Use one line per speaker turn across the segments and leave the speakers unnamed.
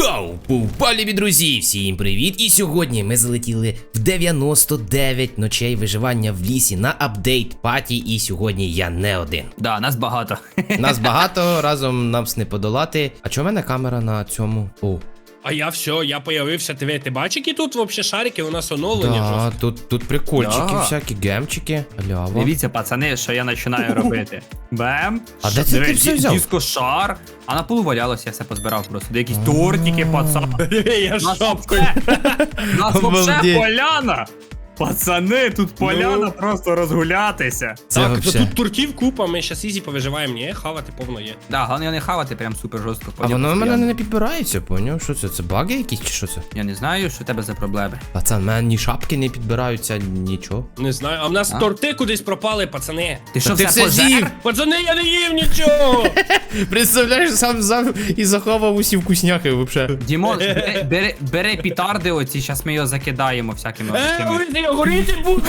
Вау! Любі друзі, всім привіт! І сьогодні ми залетіли в 99 ночей виживання в лісі на апдейт паті. І сьогодні я не один.
Да, нас багато.
Нас багато, разом нам не подолати. А чого в мене камера на цьому? О.
А я все, я появився. Ти бачиш, які тут вообще шарики, у нас оновлення.
Да, тут прикольчики,
Да.
всякі гемчики. Ляво.
Дивіться, пацани, що я починаю робити. Бем.
А де це ти все взяв?
Дискошар. А на полу валялося, я все позбирав просто. Де якісь тортики, пацан.
Я
Нас
шапкою.
вообще
Обалдеть.
поляна. Пацани, тут поляна просто розгулятися.
Це
Так,
вообще.
тут турків купа, ми щас ізі повиживаємо. Ні, хавати повно є.
Да, головне не хавати прям супер жорстко.
А воно в мене не підбирається, поняв? Що це? Це баги якісь чи що це?
Я не знаю, що в тебе за проблеми.
Пацан, в мене ні шапки не підбираються, нічого.
Не знаю, а в нас торти кудись пропали, пацани.
Ти що,
ти
все
все з'їв?
пожер?
Пацани, я не їв нічого.
Представляєш, сам взяв і заховав усі вкусняхи вообще.
Дімон, бери пітарди оці, зараз ми його закидаємо всякими такими.
Я горіти буду.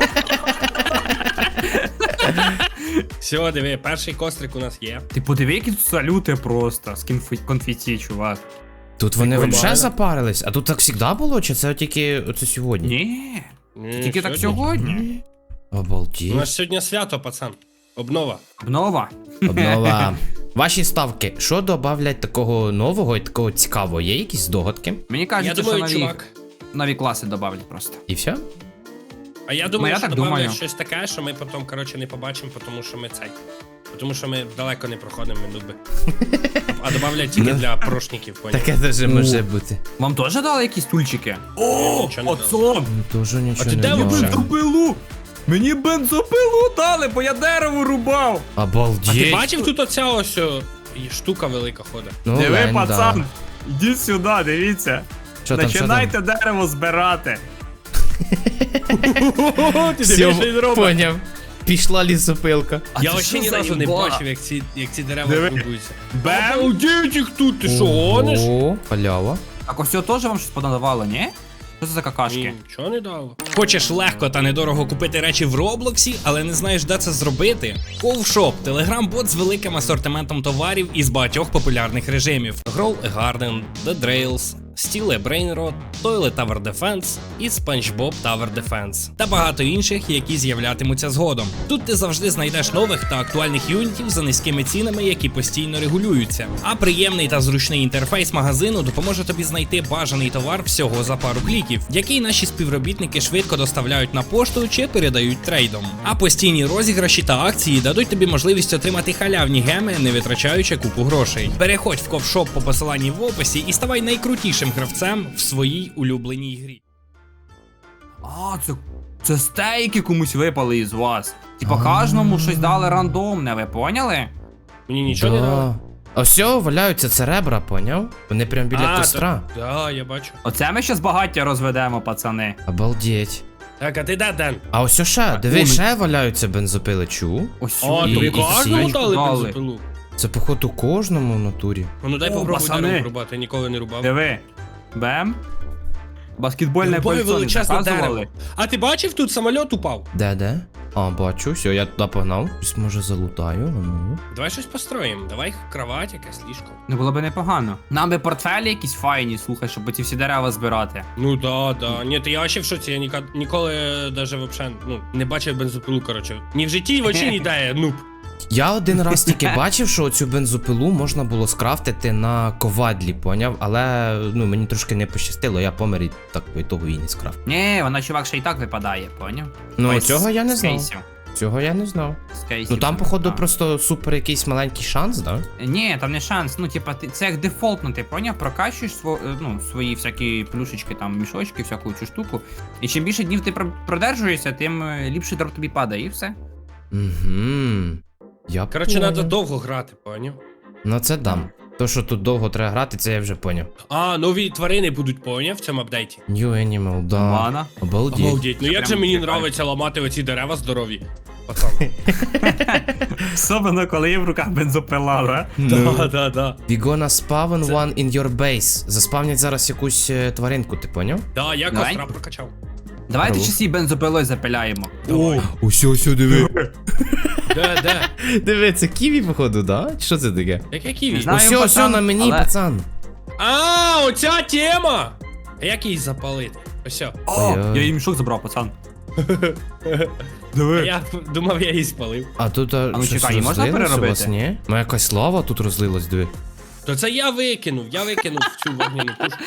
Все, диви, перший кострик у нас є.
Ти подиви, які тут салюти просто з конфеті, чувак.
Тут вони
Прикольно.
вообще запарились. А тут так завжди було, чи це тільки оце сьогодні?
Ні,
Ні,
тільки так сьогодні.
У
Обалдеть.
нас сьогодні свято, пацан. Обнова.
Обнова.
Обнова. Ваші ставки, що добавлять такого нового і такого цікавого? Є якісь здогадки?
Мені
Я
кажуть,
думаю,
що
чувак.
нові класи добавлять просто.
І все?
А я думаю,
я
що
так
добавлять
думаю.
щось таке, що ми потім, коротше, не побачимо, тому що ми цей. Тому що ми далеко не проходимо, ми нуби. А добавлять тільки для прошників, поняв?
Таке теж може бути.
Вам теж дали якісь тульчики? О,
Нічого не
пацан!
Ну теж нічого
ти
не
де ви
дав.
Бензопилу! Мені бензопилу дали, бо я дерево рубав!
А ти
Обалдеть.
бачив тут оця ось і штука велика ходить?
Ну,
Диви,
лень,
пацан! Ідіть сюди, дивіться.
Що там, що там?
Починайте дерево збирати.
Ти
Все,
дивиш, що він робить?
поняв. Пішла лісопилка.
А
Я
це
вообще
що
ні
за
разу не
їба?
бачив, як ці дерева
Диви.
будуються.
Бем!
Обалдеть їх тут, ти що, гониш?
О, халява.
Так ось цього теж вам щось подавало, ні? Що це за какашки?
Ні, нічого не дало.
Хочеш легко та недорого купити речі в Роблоксі, але не знаєш, де це зробити? Ковшоп – телеграм-бот з великим асортиментом товарів із багатьох популярних режимів: Grow a Garden, The Drails, Steal a Brain Rot, Toilet Tower Defense і SpongeBob Tower Defense. Та багато інших, які з'являтимуться згодом. Тут ти завжди знайдеш нових та актуальних юнітів за низькими цінами, які постійно регулюються. А приємний та зручний інтерфейс магазину допоможе тобі знайти бажаний товар всього за пару кліків, який наші співробітники швидко доставляють на пошту чи передають трейдом. А постійні розіграші та акції дадуть тобі можливість отримати халявні геми, не витрачаючи купу грошей. Переходь в ковшоп по посиланні в описі і ставай найкрутішим гравцем в своїй улюбленій грі.
А, це стейки комусь випали із вас. Типа кожному щось дали рандомне, ви поняли?
Мені нічого не дало.
А все, валяються це ребра, поняв? Вони прям біля костра.
Да, я бачу.
Оце ми щас багаття розведемо, пацани.
Обалдеть.
Так, а ти де, Ден?
А ось ще, диви, ще валяються бензопили, чу.
Ось
О,
І-
тобі
і
кожному
всі
дали
дали.
бензопилу?
Це походу кожному в натурі.
Ну дай
О,
попробуй
пацани.
дерево рубати, я ніколи не рубав.
Диви. Бем. Баскетбольне
Рубаю
кольцо не
величезне
показували.
дерево. А ти бачив, тут самоліт упав?
Де? А, бачу, все, я туди погнав. Щось може залутаю, а ну.
Давай щось построїмо, давай кровать, якась ліжко.
Не було би непогано. Нам би портфелі якісь файні, слухай, щоб ці всі дерева збирати.
Ну да. Ні, то я вообще в шоці, я ніколи даже вообще, не бачив бензопилу, короче. Ні в житті, в очі не дає, нуб.
Я один раз тільки бачив, що цю бензопилу можна було скрафтити на ковадлі, поняв? Але мені трошки не пощастило, я помер і так по ітогу і не скрафтив.
Ні, вона чувак ще й так випадає, поняв?
Ну,
Ой,
цього я не
з
знав.
кейсів.
Цього я не знав.
З кейсів
Ну там,
це
походу,
так.
просто супер якийсь маленький шанс, да?
Ні, там не шанс. Ну, типа, це як дефолтно, ти поняв? Прокачуєш свої всякі плюшечки, там, мішочки, всяку цю штуку. І чим більше днів ти продержуєшся, тим ліпше дроп тобі падає, і все.
Угу. Я
Короче,
поняв.
треба довго грати, поняв?
Ну це дам. То, що тут довго треба грати, це я вже поняв.
А, нові тварини будуть, поняв, в цьому апдейті.
New Animal, да.
Ладно.
Обалдеть.
Обалдеть, ну
Це
як же
прям
мені
прикольно.
нравиться ламати оці дерева здорові. Пацан.
Особливо, коли є в руках бензопила, да?
Да.
We gonna spawn one in your base. Заспавнять зараз якусь тваринку, ти поняв?
Да, я
Давай.
костра прокачав.
Давайте
Здорово.
часі бензопилою запиляємо.
Давай.
Усьо, диви.
Де?
Диви, це ківі, походу, да? Чи що це таке?
Яке ківі?
Не знаю.
Усьо
пацан,
на мені,
але-
пацан.
А, оця тема! А як її запалити? Ось.
О,
Ой-ой.
я її мішок забрав, пацан.
Я думав, я її спалив.
А тут
ну,
щось
чекай, її можна
розлилось у вас,
переробити?
ні? Ну якась лава тут розлилась, диви.
То це я викинув цю вогняну пушку.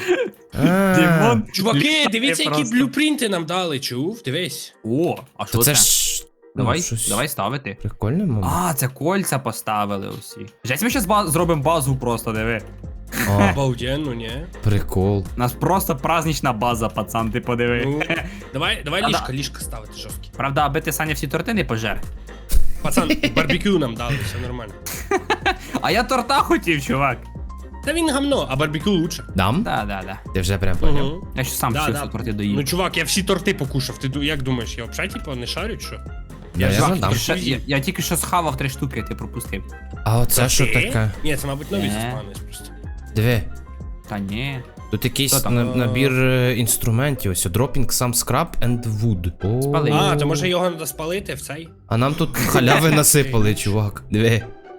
А,
Чуваки,
Літає
дивіться, які
просто.
блюпринти нам дали, чув? Дивись.
О, а що
То
це?
це ж... ну,
Давай,
щось
давай ставити.
Прикольне, мабуть.
А, це кольця поставили усі. Жесть, ми зараз зробимо базу просто, диви.
А,
Обалденно, ні?
прикол.
У нас просто празднична база, пацан, ти подиви.
Ну, давай
Да-да.
ліжка ставити жорсткі.
Правда, аби ти, Саня, всі торти не пожер.
Пацан, барбекю нам дали, все нормально.
А я торта хотів, чувак.
Та він гамно, а барбекю лучше.
Дам?
Да.
Ти вже прям поняв.
Угу.
Я ще сам всі торти доїв.
Ну, чувак, я всі торти покушав. Ти як думаєш, я взагалі типу не шарю, чи що?
Я
Чувак,
не дам.
Я тільки що схавав 3 штуки, ти пропустив.
А оце що
Ти?
таке?
Ні, це, мабуть, нові
Ні.
заспавнились просто.
Диви.
Та ні.
Тут якийсь
Що там?
набір інструментів. Ось dropping some scrap and wood. О.
Спали.
А, то може його треба спалити в цей?
А нам тут халяви насипали, чувак. Диви.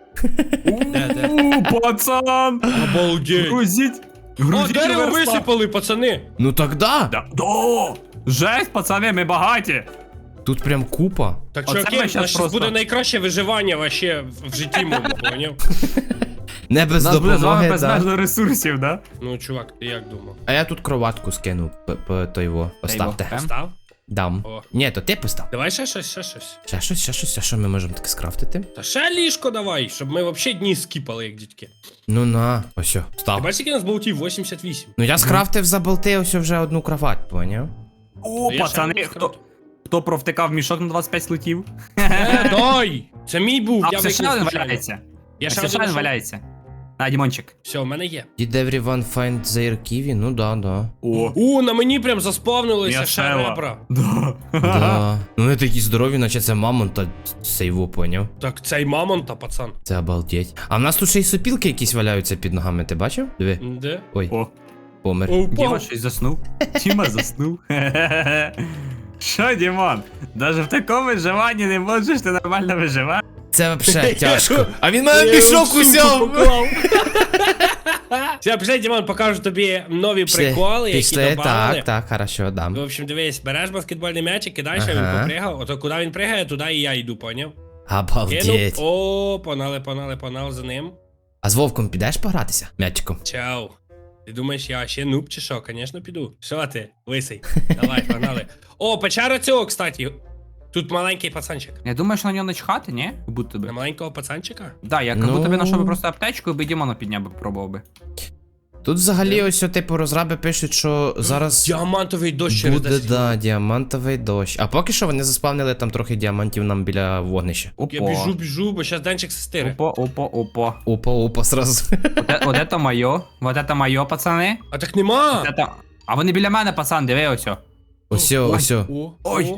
Де?
Пацан!
Обалдеть.
Грузіть!
О, дерево висипали, пацани.
Ну так да.
Да. Жесть, пацани, ми багаті!
Тут прям купа.
Так,
Оце
чуваки,
ми
у
щас
нас щас
просто-
буде найкраще виживання вообще в житті моєму, поняв?
Не без
У нас буде з вами
допомоги, да.
безмежно ресурсів, да?
Ну, чувак, ти як думав?
А я тут кроватку скину, то його. Поставте.
Ем?
Став?
Дам.
О.
Ні, то ти постав.
Давай ще щось.
Ще щось, а що ми можемо таке скрафтити?
Та ще ліжко давай, щоб ми вообще дні скіпали, як дітки.
Ну на, ось що,
Ти
став.
бачиш, який у нас болтів? 88.
Ну я скрафтив за болти ось вже одну кровать, поняв?
О,
Я ще
пацани,
не
хто провтикав мішок на 25 слотів?
Дай! Це мій був,
А,
я
все ще
викинув
один
случайно.
валяється.
Я ще
Все ще
один
один
знайшов.
валяється. На, Дімончик.
Все, у мене є.
Did everyone find their kiwi? Ну да.
У, на мені прям заспавнилися ще
М'ясела.
ребра.
Да. Ну вони такі здорові, наче це мамонт та сейву, поняв?
Так цей мамонта, пацан.
Це обалдеть. А в нас тут ще й сопілки якісь валяються під ногами, ти бачив? Диви.
Де?
Ой,
О,
помер.
Діма щось заснув. Діма заснув. Що, Дімон? Даже в такому виживанні не можеш ти нормально виживати?
Це взагалі тяжко. А він мене мішок узяв.
Все, пішли, Дімон, покажу тобі нові приколи, які
Пішли,
добавили.
так, хорошо, дам.
В общем, дивись, береш баскетбольний м'ячик, кидаєш, а
Ага.
він попригав, ото куди він пригає, туди і я йду, поняв? Кинув,
Обалдеть.
о, погнали за ним.
А з Вовком підеш погратися? М'ячиком.
Чао. Ти думаєш, я ще нуб чи що? Конечно, піду. Що ти, лисий? Давай, погнали. О, печера цього, кстати. Тут маленький пацанчик.
Я думаю, що на нього начхати, ні? Будто
На
би.
маленького пацанчика?
Да, я як
Ну.
будто би знайшов би просто аптечку, і би Дімона підняв би пробував би.
Тут взагалі ось, типу, розраби пишуть, що зараз
Діамантовий дощ через
буде,
10
да, діамантовий дощ. А поки що вони заспавнили там трохи діамантів нам біля вогнища.
Опа.
Я біжу, бо зараз Денчик сестири.
Опа.
Опа, сразу.
Вот это моє. Вот это моє, пацани.
А так нема!
Вот это... А вони біля мене, пацан, диви ось.
Ось.
Ой.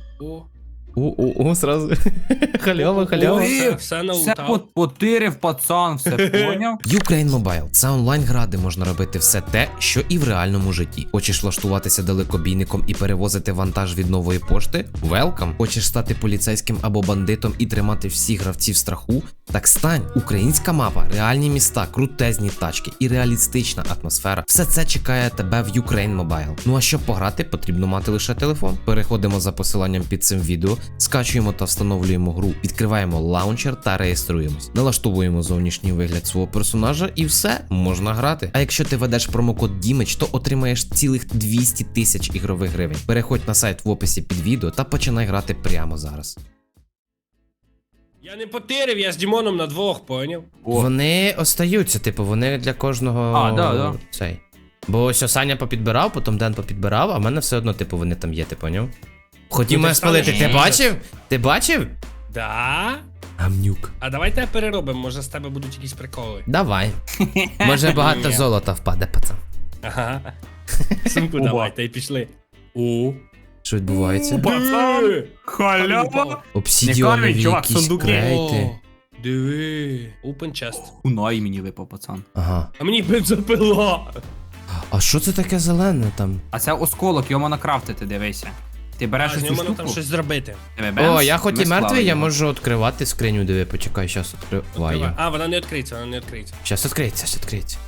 О.
Сразу. Халява.
Все
Все
налутав.
потирив, пацан, все поняв?
Ukraine Mobile – це онлайн-гра, де можна робити все те, що і в реальному житті. Хочеш влаштуватися далекобійником і перевозити вантаж від нової пошти? Welcome! Хочеш стати поліцейським або бандитом і тримати всіх гравців в страху? Так стань! Українська мапа, реальні міста, крутезні тачки і реалістична атмосфера. Все це чекає тебе в Ukraine Mobile. Ну а щоб пограти, потрібно мати лише телефон. Переходимо за посиланням під цим відео, скачуємо та встановлюємо гру, відкриваємо лаунчер та реєструємось. Налаштовуємо зовнішній вигляд свого персонажа і все, можна грати. А якщо ти ведеш промокод Дімич, то отримаєш цілих 200 тисяч ігрових гривень. Переходь на сайт в описі під відео та починай грати прямо зараз.
Я не потирив, я з Дімоном на двох, поняв?
Вони остаються, типу, вони для кожного
А, да.
цей. Бо ось Саня попідбирав, потім Ден попідбирав, а в мене все одно, типу, вони там є, ти поняв? Хотів
Ну,
мене
ти
спалити,
станеш
ти
їздити.
бачив? Ти бачив?
Да?
Гамнюк.
А давай тебе переробимо, може з тебе будуть якісь приколи.
Давай. Може багато
Ні.
золота впаде, пацан.
Ага. Сумку
Оба.
давай, та й пішли. О.
Що відбувається?
Пацан, халява. Не
Обсідіонові
камінь, чувак,
якісь
сундуки.
крейти.
Диви. Open chest.
Кунай мені випав, пацан.
Ага.
А мені бензопила.
А що це таке зелене там?
А це осколок, його можна крафтити, дивися. Ти береш
А, з
цю
нього можна
штуку,
там щось зробити.
диви, бемс,
О, я хоч
ми
і мертвий,
склали
я
його.
можу відкривати скриню, диви, почекай, щас відкриваю.
А, вона не відкриється, вона не відкриється.
Щас відкриється, щас відкриється.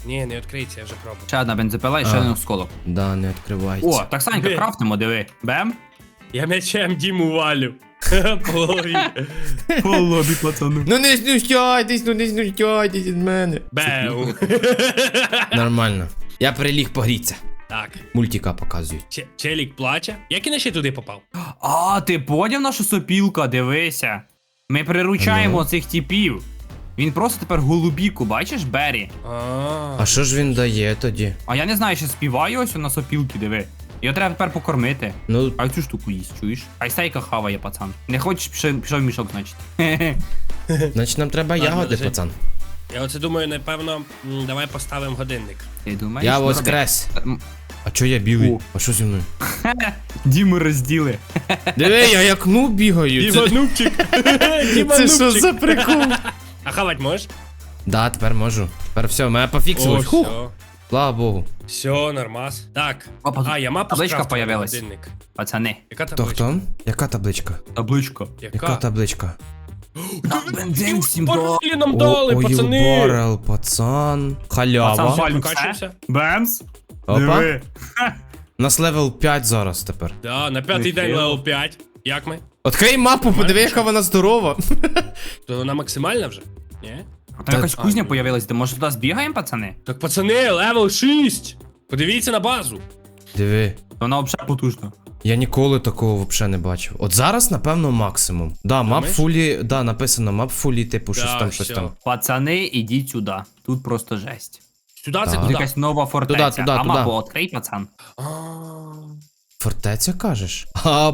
Ні, не відкриється, я вже пробував.
Ще одна бензопила і ще
А.
один осколок.
Да, не відкривається.
О, так Санька,
Блін.
крафтимо, диви. Бем.
Я м'ячем Діму валю. По голові.
По лобі, пацану.
Ну не знущайтесь від мене.
Беу.
Нормально. Я приліг погріться.
Так.
Мультика показують.
Челік плаче. Як він ще туди попав?
А, ти поняв наша сопілка, дивися. Ми приручаємо
Ну.
цих типів. Він просто тепер голубіку, бачиш, Бері?
А що ж він дає тоді?
А я не знаю, ще співаю ось на сопілки, диви. Його треба тепер покормити.
Ну,
А цю штуку їсть, чуєш? А й стейка хаває, пацан. Не хочеш, пішов в мішок, значить.
значить нам треба ягоди,
лежить.
пацан.
Я оце думаю, напевно, давай поставимо годинник.
Ти думаєш?
Я
Ну,
воскрес.
роби.
А чо я білий?
О.
А що зі мною?
Діму розділи.
Диви, я як ну бігаю. Це,
Нубчик.
це що за прикол?
А хавать можеш?
Да, тепер можу. Тепер все, мене пофіксилось. Хух,
все.
слава Богу.
Все, нормас. Так.
Опа,
А, я мапу
табличка
скрафтив на
появилась.
годинник.
Пацани,
Яка
Хто
табличка?
хто? Яка табличка?
табличка.
Яка табличка?
Бензин всім
Барелі нам дали,
Ой,
пацани.
барел, пацан. Халява.
Пацан, Валь,
Прокачуємося?
Бемс.
Опа.
Диви.
У нас левел 5 зараз тепер.
Да, на п'ятий день
Нехило.
левел 5. Як ми?
Открий мапу, подиви, яка вона здорова.
То вона максимальна вже? Ні?
А там якась кузня появилась, де може туди збігаємо, пацани?
Так, пацани, левел 6. Подивіться на базу.
Диви.
Вона взагалі потужна.
Я ніколи такого взагалі не бачив. От зараз, напевно, максимум. Да, мап
Думаєш?
фулі, да, написано мап фулі, типу, щось
Да,
там, щось
всьо.
там.
Пацани, ідіть сюди. Тут просто жесть.
Сюди це
Так.
Тут
куди?
якась нова фортеця.
Туди,
а
туди.
мапу відкрий, пацан.
А,
Фортеця кажеш?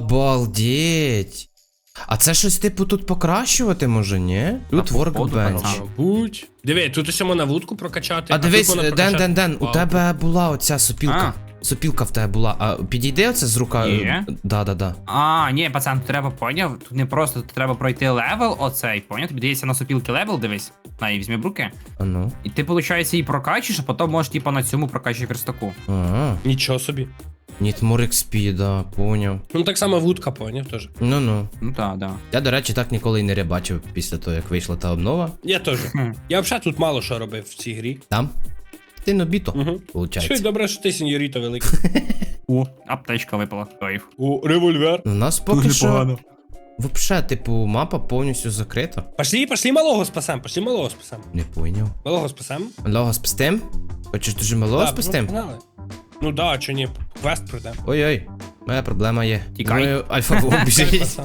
Обалдеть. А це щось, типу, тут покращувати може, ні? Тут
Та, походу,
workbench.
пацан.
Мабуть. Диви, тут ось можна вудку прокачати.
А дивись,
тут можна
Ден,
прокачати
Ден, у
палку.
тебе була оця сопілка. Сопілка в тебе була. А підійде оце з рука?
Є.
Да.
А, ні, пацан, тут треба, поняв? Тут не просто, тут треба пройти левел оцей, поняв? Тобі дається на сопілки левел, дивись. На, і візьми в руки.
А ну.
І ти, виходить, її прокачуєш, а потім можеш, типа, на цьому прокачувати верстаку.
Ага.
Нічого собі.
Need more XP, да, поняв.
Ну так само вудка, поняв теж.
Ну.
Ну так, да.
Я, до речі, так ніколи й не рибачив після того, як вийшла та обнова.
Я теж. Я взагалі тут мало що робив в цій грі.
Там? Ти нобіто,
Угу. Що й
виходить.
добре, що ти сеньоріто великий.
О, аптечка випала. Кайф.
О, револьвер.
У нас поки що, вообще, типу, мапа повністю закрита.
Пошли малого спасем, пошли малого спасем.
Не поняв.
Малого спасем?
Малого спастем? Хочеш дуже малого спастем?
погнали. Ну да, чи ні, квест пройдемо.
Ой-ой, моя проблема є.
Тікай.
Думаю, альфа біжить.
Пацан.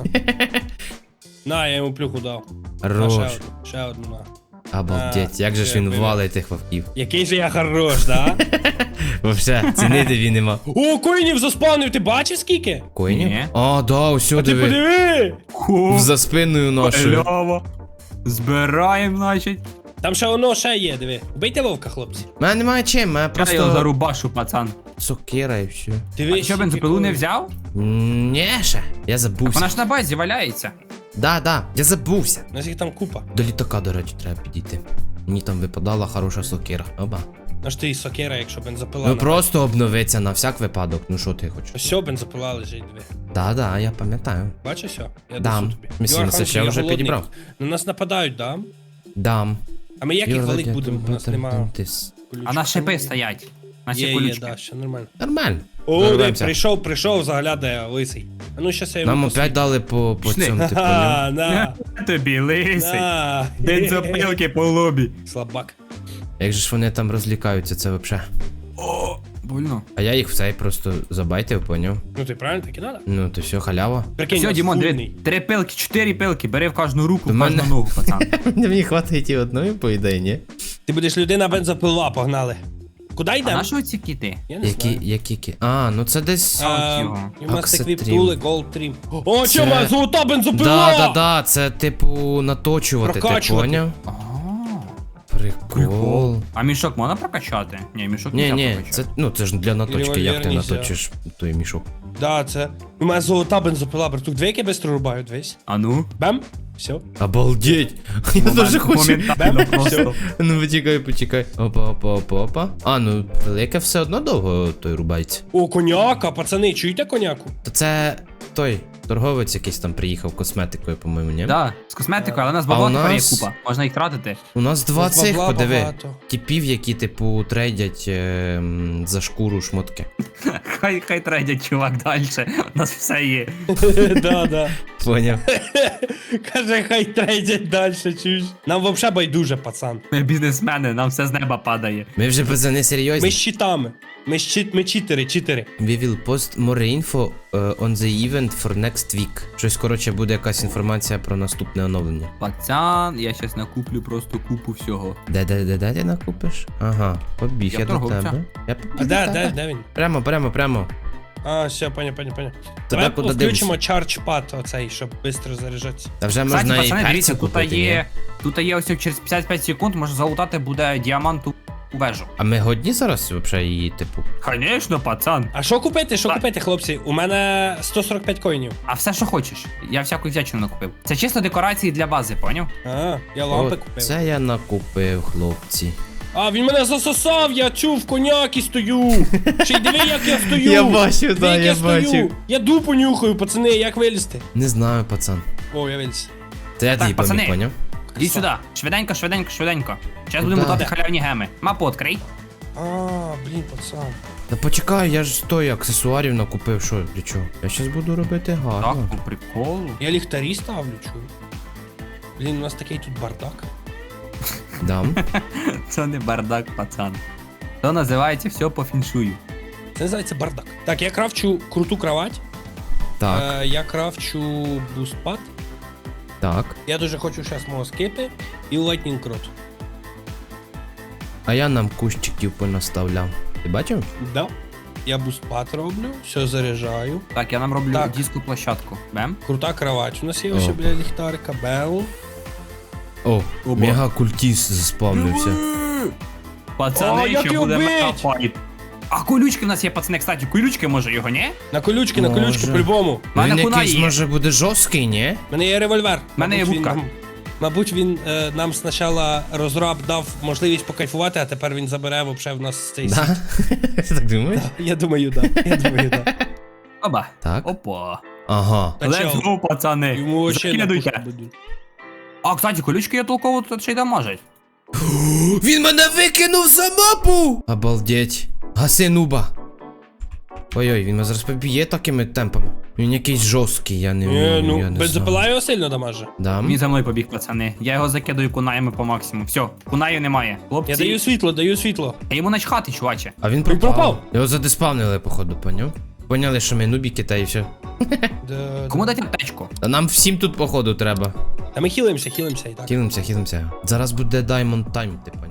На, я йому плюху дав. На,
Хорош.
ще одну, на.
Обалдеть, як же ж він валить тих вовків.
Який же я хорош, да?
Вообще, цінити він нема.
О, коїнів заспавнив, ти бачиш скільки?
Коїнів?
Ні.
А, да, усьо
А ти
диви.
подиви!
За спиною нашою.
Лява. Збираємо, значить.
Там ще воно ще є, диви. Убийте вовка, хлопці.
Мене немає чим, мене
Я його
просто
зарубашу, пацан.
сокира і все.
Диви,
А ти що, бензопилу не взяв?
Ні, ще. Я забувся.
Вона ж на базі валяється.
Да, я забувся.
У нас їх там купа.
До літака, до речі, треба підійти. Мені там випадала хороша сокира. Оба.
Аж ти і сокира, якщо бензопила.
Ну просто обновиться на всяк випадок. Ну що ти хочеш?
Ось бензопила лежить, диви.
Да, я пам'ятаю.
Бачиш все? Я
Дам.
несу тобі.
Місіна,
Юра,
це
Ханки,
ще
я
вже
голодний.
підібрав.
На нас нападають, да?
Дам.
А ми як їх валить будемо? У нас немає.
А на шипи стоять. На
Є,
колючки.
да, ще нормально.
Нормально.
О, де,
Дорвемося.
прийшов, заглядає лисий. А ну щас я йому
Нам
послухаю.
опять дали по
Пішли.
цьому типу.
Ха, на,
Тобі лисий.
на.
Бензопилки по лобі.
Слабак.
Як же ж вони там розлікаються, це вообще.
О, больно.
А я їх в цей просто забайтив, поняв.
Ну ти правильно так і надо?
Ну, то все, халява.
Прикинь,
Все,
у нас
Дімон,
фульний.
3 пилки, 4 пилки, бери в кожну руку,
До
в кожну
мене-
ногу, пацан.
Мені хватить і одної, по ідеї, ні?
Ти будеш людина бензопила, погнали. Куди
А
йдемо?
на що ці кіти?
Я не знаю.
Які? А, ну це десь.
А, його.
І в нас
Аксетрім.
еквіп-тули, голд-трім. О,
Це-
чо, моя золота бензопила!
Да, це типу наточувати, ти
Прокачувати.
поняв?
А,
Прикол.
А мішок можна прокачати? Ні, мішок не
Ні,
можна
це,
прокачати.
ну це ж для наточки, як ти
Револьвер нельзя.
наточиш той мішок.
Да, це. У мене золота бензопила, братук. Дві які бистро рубаю, дивись.
А ну?
Бем. Все.
Обалдеть! Я дуже хочу.
Моментально просто.
Ну почекай. Опа. А, ну велике все одно довго той рубається.
О, коняка, пацани, чуєте коняку?
То це той Торговець якийсь там приїхав косметикою, по-моєму, ні?
Да, з косметикою, але у нас
А
бабла
у
тепер є
нас-
купа. Можна їх тратити.
У нас два
Бабла
цих, подиви.
багато.
Типів, які, типу, трейдять за шкуру шмотки.
Хай трейдять, чувак, далі. У нас все є.
Да.
Поняв.
Каже, хай трейдять далі, чуєш. Нам взагалі байдуже, пацан.
Ми бізнесмени, нам все з неба падає.
Ми вже пацани
Ми
серйозні.
з читами. Ми читери.
We will post more info on the event for next week. Щось, коротше, буде якась інформація про наступне оновлення.
Пацан, я щас накуплю просто купу всього.
Де ти накупиш? Ага, побіг
Я
я до
торговця.
тебе. Я побіг
А
до тебе.
де він?
Прямо.
А, все, поняв. Давай
куди
включимо charge-pad оцей, щоб швидко заряджатися.
Та вже
Кстати,
можна і
пацани,
перці
дивіться,
купити,
тут є ось через 55 секунд, можна залутати буде діаманту вежу.
А ми годні зараз взагалі її, типу?
Конечно, пацан.
А що купити, хлопці? У мене 145 коїнів.
А все, що хочеш. Я всяку всячину накупив. Це чисто декорації для бази, поняв?
А, я лампи
От
купив.
це я накупив, хлопці.
А, він мене засосав, я в коняки стою. Ще й диви, як я стою.
Я бачу,
Диви,
да,
як
я
стою.
бачу.
Я дупу нюхаю, пацани, як вилізти?
Не знаю, пацан.
О, я виліз.
Це я
Так,
тобі поміг,
пацани.
поняв?
Іди сюди. Швиденько. Зараз будемо
Куда?
лутати халявні геми. Мапу відкрий.
А, блін, пацан.
Та почекай, я ж той аксесуарів накупив, що, для чого? Я щас буду робити
Так,
гарно.
по приколу.
Я ліхтарі ставлю, чую. Блін, у нас такий тут бардак.
Дам.
Це не бардак, пацан. То називається все по фіншую.
Це називається бардак. Так, я крафчу круту кровать.
Так,
Я крафчу бустпад.
так.
Я дуже хочу зараз мого скипи і lightning rod.
А я нам кущиків понаставляв. Ти бачив?
Да. Я бустпад роблю, все заряджаю.
Так, я нам роблю
Так.
диску площадку. Бем.
Крута кровать. У нас є ось
О.
біля ліхтарика. Бел.
О,
Оба.
мега культіс заспавнився.
Пацани,
О, як
ще
його
буде
бить?
мегафайт. А колючки в нас є, пацани, кстати, колючки може його, ні?
На колючки,
Може.
по-любому.
У мене
Він
кунай
якийсь
є.
може буде жорсткий, ні?
У мене є револьвер.
В мене є
Мабуть,
вудка.
Мабуть, він нам спочатку розраб дав можливість покайфувати, а тепер він забере вообще в нас цей світ.
Да? Так думаєш?
Я думаю, да.
Оба.
Так.
Опа.
Ага.
Та
Let's
чел,
go, пацани.
Йому вообще на
Закидуйте.
пушку будуть.
А, кстати, колючки я толково тут ще й дамажать.
Він мене викинув за мапу! Обалдеть. Гаси нуба. Ой-ой, він мене зараз поб'є такими темпами. Він якийсь жорсткий, я не вмію,
Ну,
я не
бензопила
знаю.
його сильно дамаже.
Дам?
Він за мною побіг, пацани. Я його закидаю кунаями по максимуму. Все, кунаю немає. Хлопці,
Я даю світло.
я йому начхати, чуваче.
А він
Він
пропав.
пропав.
Його задиспавнили, походу, поняв? Поняли, що ми нубіки та і все.
Да,
Кому дати аптечку?
Та нам всім тут, походу, треба.
Та ми хілимося і так.
Хілимося. Зараз буде Diamond Time, ти поняв?